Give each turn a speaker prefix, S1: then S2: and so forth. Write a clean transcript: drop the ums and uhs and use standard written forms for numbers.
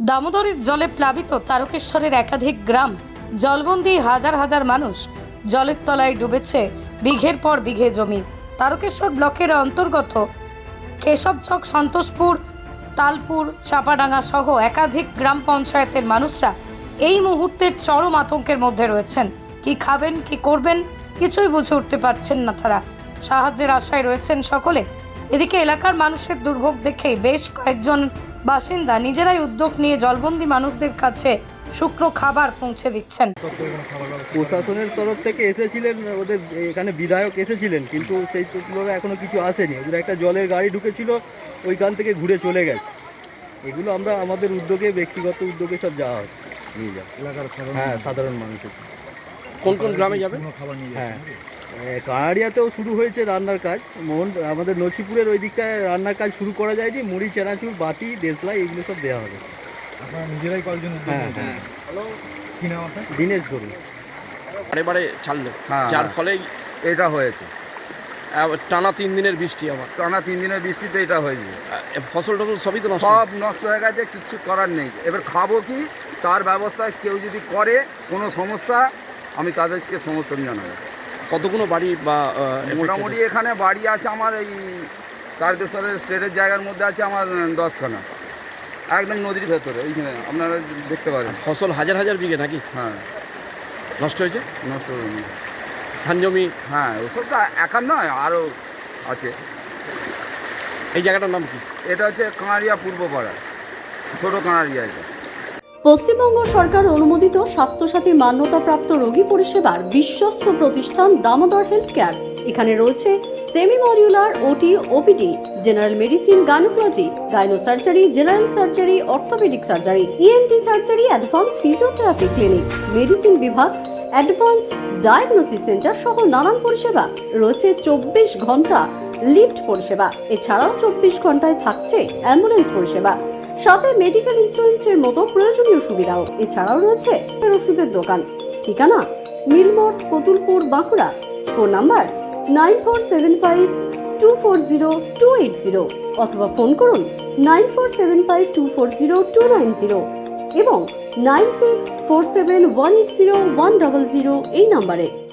S1: দামোদরের জলে প্লাবিত তারকেশ্বরের একাধিক গ্রাম, জলবন্দী হাজার হাজার মানুষ। জলের তলায় ডুবেছে বিঘের পর বিঘে জমি। তারকেশ্বর ব্লকের অন্তর্গত কেশবচক, সন্তোষপুর, তালপুর, চাপাডাঙ্গা সহ একাধিক গ্রাম পঞ্চায়েতের মানুষরা এই মুহূর্তে চরম আতঙ্কের মধ্যে রয়েছেন। কি খাবেন, কি করবেন, কিছুই বুঝে উঠতে পারছেন না তারা। সাহায্যের আশায় রয়েছেন সকলে। এদিকে এলাকার মানুষের দুর্ভোগ দেখে বেশ কয়েকজন বাসিন্দা নিজেরাই উদ্যোগ নিয়ে জলবন্দী মানুষদের কাছে শুকনো খাবার পৌঁছে দিচ্ছেন।
S2: প্রশাসনের তরফ থেকে এসেছিলেন, ওদের এখানে বিধায়ক এসেছিলেন, কিন্তু সেই তুলনায় এখনো কিছু আসেনি। ওদের একটা জলের গাড়ি ঢুকেছিল, ওইখান থেকে ঘুরে চলে গেছে। এগুলো আমরা আমাদের উদ্যোগে, ব্যক্তিগত উদ্যোগে সব যাওয়া হচ্ছে, নিয়ে যাওয়া এলাকার সাধারণ মানুষের।
S3: কোন কোন গ্রামে যাবে?
S2: হ্যাঁ, কানাড়িয়াতেও শুরু হয়েছে রান্নার কাজ। আমাদের নছিপুরের ওই দিকটায় রান্নার কাজ শুরু করা যায়নি। মুড়ি, চানাচুর, বাতি, দেশলাই এগুলো সব দেওয়া হবে।
S4: আপনারা নিজেরাই কয়েকজন কি নাম আপনার?
S2: দিনেশ ধরুন
S3: বারে ছাড়লো,
S5: হ্যাঁ,
S3: যার ফলে
S5: এটা হয়েছে।
S3: টানা 3 দিনের বৃষ্টি, আমার
S5: টানা 3 দিনের বৃষ্টিতে এটা হয়েছে।
S3: ফসল টসল সবই তো নষ্ট।
S5: সব নষ্ট হয়ে গেছে, কিচ্ছু করার নেই। এবার খাবো কি, তার ব্যবস্থা কেউ যদি করে কোনো সংস্থা, আমি তাদেরকে সমর্থন জানাবো।
S3: কতগুলো বাড়ি বা
S5: মোটামুটি এখানে বাড়ি আছে আমার, এই তারকেশ্বরের স্টেটের জায়গার মধ্যে আছে আমার 10খানা, একদম নদীর ভেতরে। এইখানে আপনারা দেখতে পারেন
S3: ফসল হাজার হাজার বিঘে নাকি?
S5: হ্যাঁ,
S3: নষ্ট হয়েছে।
S5: নষ্ট হয়নি।
S3: ধান জমি,
S5: হ্যাঁ, ওসব তো একার নয়, আরও আছে।
S3: এই জায়গাটার নাম কি?
S5: এটা হচ্ছে কানাড়িয়া পূর্বপাড়া, ছোটো কানাড়িয়া। এটা
S6: পশ্চিমবঙ্গ সরকার অনুমোদিত স্বাস্থ্যসাথী মান্যতাপ্রাপ্ত রোগী পরিষেবার বিশ্বস্ত প্রতিষ্ঠান দামোদর হেলথ কেয়ার। এখানে রয়েছে semi modular OT, OPD, general medicine, gynaecology, gyno surgery, general surgery, orthopaedic surgery, ENT surgery, advance physiotherapy clinic, medicine বিভাগ, অ্যাডভান্স ডায়াগনোসিস সেন্টার সহ নানান পরিষেবা রয়েছে। 24 ঘন্টা লিফট পরিষেবা, এছাড়াও 24 ঘন্টায় থাকছে অ্যাম্বুলেন্স পরিষেবা, সাথে মেডিকেল ইন্স্যুরেন্সের মতো প্রয়োজনীয় সুবিধাও। এছাড়াও রয়েছে ওষুধের দোকান। ঠিকানা মিলমোড়, কতুলপুর, বাঁকুড়া। ফোন নাম্বার 9475240280 অথবা ফোন করুন 9475240290 এবং 9647180100 এই নম্বরে।